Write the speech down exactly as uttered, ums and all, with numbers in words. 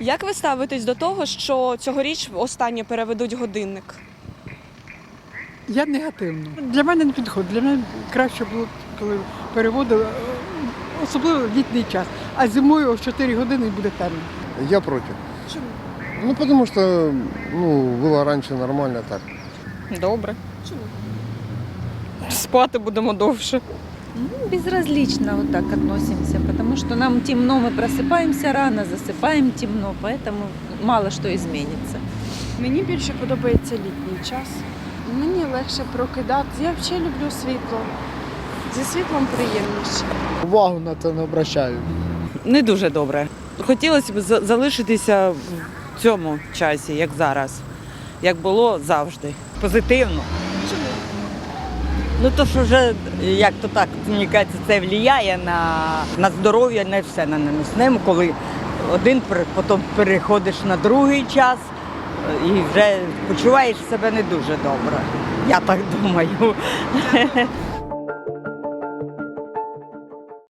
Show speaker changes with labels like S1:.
S1: Як ви ставитесь до того, що цьогоріч останнє переведуть годинник?
S2: Я негативно. Для мене не підходить. Для мене краще було, коли переводили, особливо в літній час. А зимою о чотири години буде темно.
S3: Я против.
S1: Чому?
S3: Ну, потому что, ну, было раньше нормально так.
S4: Добре.
S1: Чому?
S4: Спати будемо довше.
S5: Ну, безразлично вот так относимся, потому что нам темно, мы просыпаемся рано, засыпаем темно, поэтому мало что изменится.
S6: Мені більше подобається літній час. Мені легше прокидатися. Я взагалі люблю світло. Зі світлом приємніше.
S7: Увагу на це не обращаю.
S8: Не дуже добре. Хотілося б за- залишитися в цьому часі, як зараз, як було завжди.
S9: Позитивно. Ну то що вже, як то так, мені кажеться, це впливає на, на здоров'я, на все, на наносне, коли один, пер- потім переходиш на другий час і вже почуваєш себе не дуже добре. Я так думаю.